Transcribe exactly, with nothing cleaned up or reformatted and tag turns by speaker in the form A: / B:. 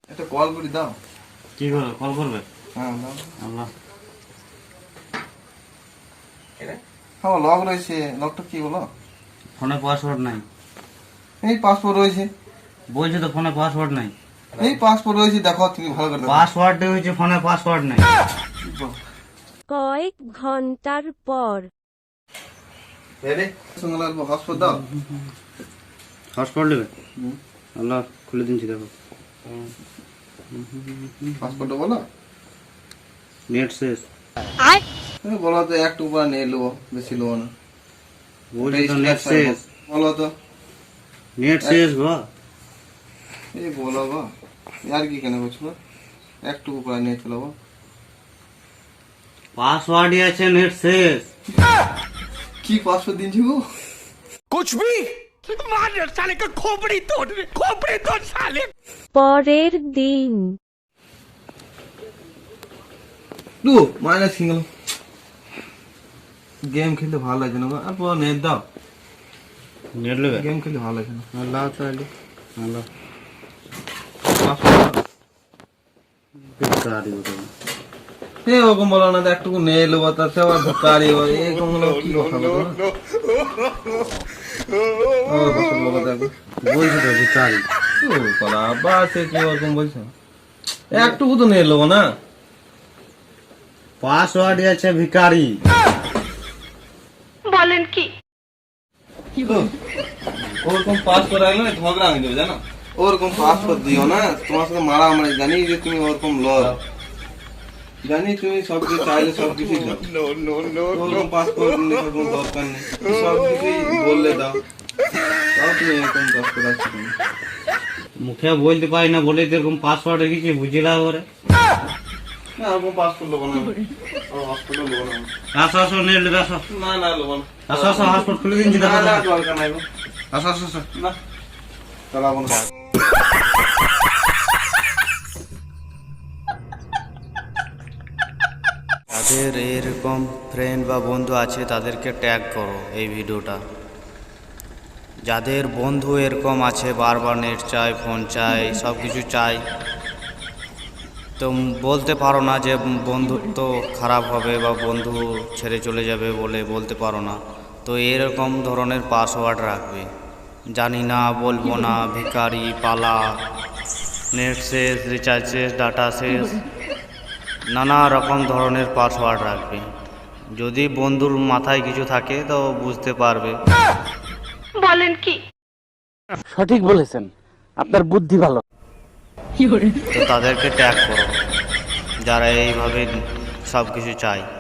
A: একটা কল করে দাও।
B: কি করে কল করবে?
A: হ্যাঁ দাও।
B: আল্লাহ,
A: হ্যাঁ লক রয়েছে। লকটা কি বলো?
B: ফোনে পাসওয়ার্ড নাই।
A: এই পাসপোর্ট রয়েছে।
B: বলছি তো ফোনে পাসওয়ার্ড নাই।
A: এই পাসপোর্ট রয়েছে, দেখো তুমি ভালো করে দেখো।
B: পাসওয়ার্ড হয়েছে, ফোনে পাসওয়ার্ড নাই।
C: কয়েক ঘন্টার পর
A: রে সঙ্গে লাগবো হসপিটাল দাও।
B: হটস্পট নেবে? আল্লাহ, খুলে দিচ্ছি দেখো।
A: পাসপোর্টটা বলো।
B: নেট শেষ।
A: তুমি বলো তো একটু উপরে নিয়ে নেবো, বেশি নেবো না।
B: বলছি তো নেট শেষ।
A: বলো তো।
B: নেট শেষ গো।
A: এই বলো গো, আর কি কেন বলছো? একটু উপরে নিয়ে চলো।
B: পাসওয়ার্ডই আছে, নেট শেষ।
A: কি পাসপোর্ট দিনছি গো?
D: कुछ भी मार साले का खोपड़ी तोड़ खोपड़ी तोड़ साले।
C: পরের দিন
A: দু মাইনাস সিঙ্গেল গেম খেলতে ভালো লাগে না গো। আর পুরো নেট দাও।
B: নেট নেবে?
A: গেম খেলতে ভালো লাগে না।
B: আল্লাহ তাআলা, আল্লাহ
A: পাসপোর্ট
B: বেকারি বলে।
A: এ ওরকম বলো না, একটুকু নিয়ে নেবো তাতে আবার ধোকারি হয়। এরকম হলো কি কথা বলো? ও পাসপোর্ট বলো দেখো।
B: বলছি তো বেকারি।
A: ও কলা বাস কি ওরকম বলছো? একটুকু তো নিয়ে নেবো না।
B: পাসওয়ার্ডই আছে ভিখারি।
C: বলেন কি?
A: ওরকম পাসপোর্ট রাখলে না ঝগড়া হয়ে যাবে জানো। ওরকম পাসপোর্ট দিও না, তোমার সাথে মারামারি। জানি যে তুমি ওরকম লর, জানি তুমি সবকিছু চাইলে সবকিছু ওরকম পাসপোর্ট নেওয়ার কোনো দরকার নেই। সবকিছুই বললে দাও, তাও তুমি এরকম পাসপোর্ট রাখছো তুমি।
B: মুখে বলতে পারি না বলে এরকম পাসওয়ার্ড রেখেছি, বুঝলা করে।
A: না ওরকম পাসপোর্ট নেবো না, হসপিটাল নেবো না।
B: আসো আসো, নেট নেবে আসো।
A: না না নেবো না।
B: আসো আসো, হসপিটাল খুলে দিচ্ছি দেখো।
A: না না দরকার নাই গো। আসো আসো আসো। না চালাবো না।
E: যাদের এরকম ফ্রেন্ড বা বন্ধু আছে তাদেরকে ট্যাগ করো এই ভিডিওটা। যাদের বন্ধু এরকম আছে বারবার নেট চাই, ফোন চাই, সব কিছু চাই, তো বলতে পারো না যে বন্ধুত্ব খারাপ হবে বা বন্ধু ছেড়ে চলে যাবে বলে বলতে পারো না। তো এরকম ধরনের পাসওয়ার্ড রাখবে, জানি না, বলবো না, ভিখারি, পালা, নেট শেষ, রিচার্জ শেষ, ডাটা শেষ, নানা রকম ধরনের পাসওয়ার্ড রাখবে। যদি বন্ধুর মাথায় কিছু থাকে তো বুঝতে পারবে।
C: বলেন কি?
F: সঠিক বলেছেন, আপনার বুদ্ধি ভালো।
E: তো তাদেরকে ট্যাগ করো যারা এইভাবে সব কিছু চায়।